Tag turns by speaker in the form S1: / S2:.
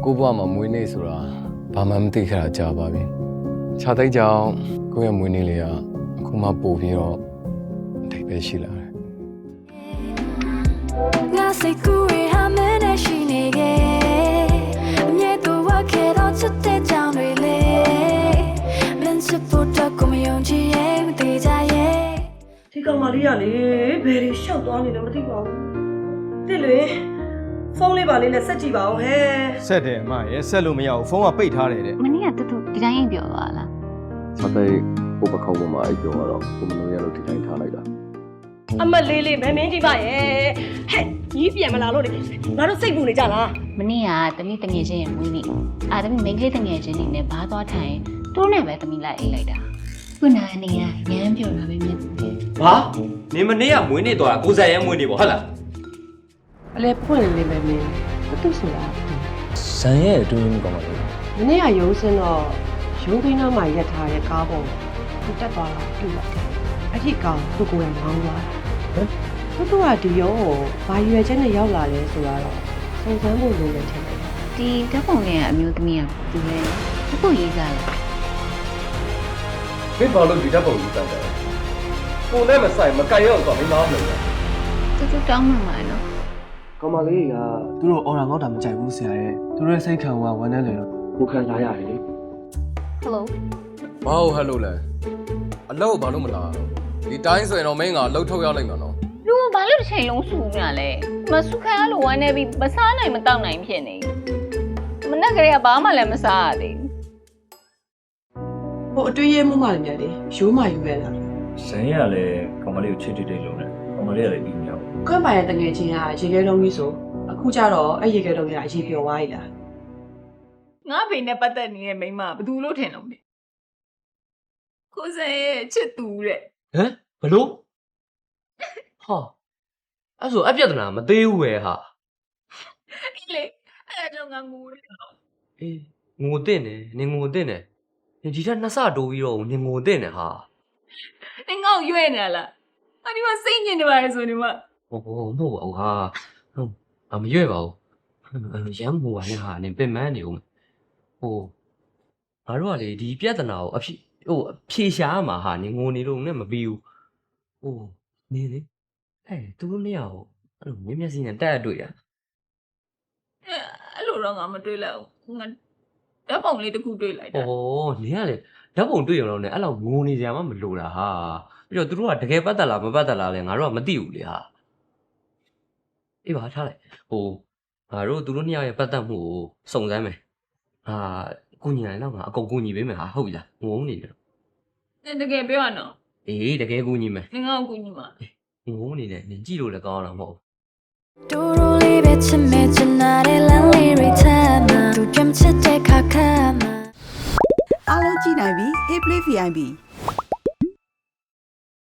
S1: ကိုဘွားမှာမွေးနေ့ဆိုတာဘာမှမသိခဲ့တာကြာပါပြီခြားတိုက်ကြောင်ကိုယ့်ရဲ့မွေးနေ့လေးကအခုမှပို့ပြီးတော့အထိပ်ပဲရှိလာတယ်
S2: ငါစိတ်ကူးရဟာမနဲ့ရှိနေခဲ့အမြဲတမ်းဝါခဲ့တော့ချစ်တဲ့ကြောင်တွေလေမင်းချစ်ဖို့တော့ကိုမယုံကြည်ရဲ့မသေးကြရဲ့
S3: ဒီကောင်မလေးကလေဘယ်လိုရှောက်သွားနေလဲမသိပါဘူးတိလွေဖုန်းလေးပါလေးနဲ့ဆက်ကြည့်ပါဦးဟဲ့
S4: ဆက်တယ်အမရဲ့ဆက်လို့မရဘူးဖုန်းကပိတ်ထားတယ်တဲ့
S5: မနေ့ကတူတူဒီတိုင်းအိမ်ပြောသွားလား
S1: ခြားတိုက်ကိုပခောက်ပေါ်မှာအဲ့ပြောတော့ကိုမလို့ရလို့ဒီတိုင်းထားလိုက်တာ
S3: အမလေးလေးမမင်းကြည့်ပါရဲ့ဟဲ့ကြီးပြန်မလာလို့လေငါတို့စိတ်ပူနေကြလား
S5: မနေ့ကတမီးတငယ်ချင်းရဲ့မွေးနေ့အာတမီးမိန်းကလေးတငယ်ချင်းနေနဲ့ဘားသွားထိုင်တိုးနဲ့ပဲတမီးလိုက်အိတ်လိုက်တာခုနကနေရရမ်းပြောတာပဲမြင်
S6: ဘာနေမနေ့ကမွေးနေ့သွားတာကိုဇက်ရဲမွေးနေ့ပေါ့ဟုတ်လား
S3: အလဲဖွင့်လေးပဲမင်းဘာတူဆိုတာ
S1: ဇန်ရဲ့အတွင်းကောင်းပါလေ
S3: မနေ့ကရုံးစင်းတော့ရုံးခင်းသားမှာရက်ထားတဲ့ကားပေါ်သူတက်သွားတာတွေ့လိုက်အဲ့ဒီကောင်သူ့ကိုယ်တိုင်မောင်းသွားသူတို့ကဒီရုံးကိုဘာရွယ်ချက်နဲ့ရောက်လာလဲဆိုတော့စုံစမ်းဖို့လိုတယ်ထင်တယ်
S5: ဒီဓာတ်ပုံလေးကအမျိုးသမီးကသူလဲအခုရေးစားလား
S4: ဘယ်ဘာလို့ဒီဓာတ်ပုံကြီးတောင်းတယ်ကိုနဲ့မဆိုင်မကြိုက်ရောက်တော့မင်းသားမလို့
S5: တူတူတောင်းမှမှာနော်
S7: ကောင်မလေးကသူတို့အော်ရာငေါ့တာမကြိုက်ဘူးဆရာရဲ့သူတို့ရဲ့စိတ်ခံကဝမ်းနဲ့လေတော့ကိုခံစားရတယ်လေ
S5: ဟယ်လို
S1: ဘာဟုတ်ဟယ်လိုလဲအလုပ်ဘာလို့မလာတော့ဒီတိုင်းဆိုရင်တော့မင်းကလှုပ်ထုတ်ရလိုက်မှာနော်
S5: လူကဘာလို့တစ်ချိန်လုံးစူနေလဲမစုခံရလို့ဝမ်းနေပြီးမစားနိုင်မတောက်နိုင်ဖြစ်နေမနေ့ကလေးကဘာမှလည်းမစားရသေး
S3: ဟိုအတွေ့ရမှုမှလည်းမြတ်လေရိုးမှယူရလား
S8: ဇန်ရလည်းကောင်မလေးကိုချစ်တိတ်လုံးနဲ့ကောင်မလေးကလည်းပြီးမြောက်
S3: ခွန်းပါရဲ့တငယ်ချင်းကရေခဲလုံးကြီးဆိုအခုကျတော့အဲ့ရေခဲလုံးကြီးကအရေးပြောသွားပြီလား
S5: ငါဖေနဲ့ပတ်သက်နေတဲ့မိန်းမဘယ်သူလို့ထင်လို့လဲကိုစံရဲ့ချစ်သူတဲ့
S6: ဟမ်ဘလို့ဟာအဲ့ဆိုအပြဿနာမသေးဘူးပဲဟာ
S5: အေးလေအဲ့တော့ငါငိုတယ်
S6: အေးငိုတဲ့နေနင်ငိုတဲ့နေဒီထက်နှစ်ဆတိုးပြီးတော့နင်ငိုတဲ့နေဟာ
S5: နင်ငေါ့ရွဲ့နေလားအဲ့ဒီမှာစိတ်ညစ်နေပါလေဆိုနေမှာ
S6: မဟုတ်ပါဘူးဟာမရွဲ့ပါဘူးရမ်းငိုပါနဲ့ဟာနင်ပင်မနေဦးဟိုငါတို့ကလေဒီပြဿနာကိုအဖြေရှားမှာဟာနင်ငိုနေလို့နဲ့မပြီးဘူးဟိုနေလေသူတို့နှစ်ယောက်အဲ့လိုမျက်စိနဲ့တက်ရတွေ့တာ
S5: အဲ့လိုတော့ငါမတွေ့လိုက်ဘူးငါဓာတ်ပုံလေးတစ်ခုတွေ့လိုက်တာ
S6: ဩနင်ကလေဓာတ်ပုံတွေ့ရုံတော့နဲ့အဲ့လောက်ငိုနေကြမှမလိုတာဟာပြီးတော့သူတို့ကတကယ်ပတ်သက်လားမပတ်သက်လားလဲငါတို့ကမသိဘူးလေဟာအေးပါထားလိုက်ဟိုငါတို့သူတို့နှစ်ယောက်ရဲ့ပတ်သက်မှုကိုစုံစမ်းမယ်ဟာကုညီနိုင်တော့ငါအကုန်ကုညီပေးမယ်ဟာဟုတ်ပြီလားငုံနေတယ်
S5: တကယ်ပြောရနော်
S6: အေးတကယ်ကုညီမယ်
S5: နင်ကအကူညီမှာ
S6: ငုံနေတယ်နင်ကြည့်လို့လည်းကောင်းအောင်မဟုတ်
S2: တူတူလေးပဲချစ်မဲ့ချင်တဲ့လမ်းလေးတွေထမ်းမှာသူကြမ်းချစ်တဲ့ခါခါမှာ
S9: အားလုံးကြည့်နိုင်ပြီ Hey Play VIP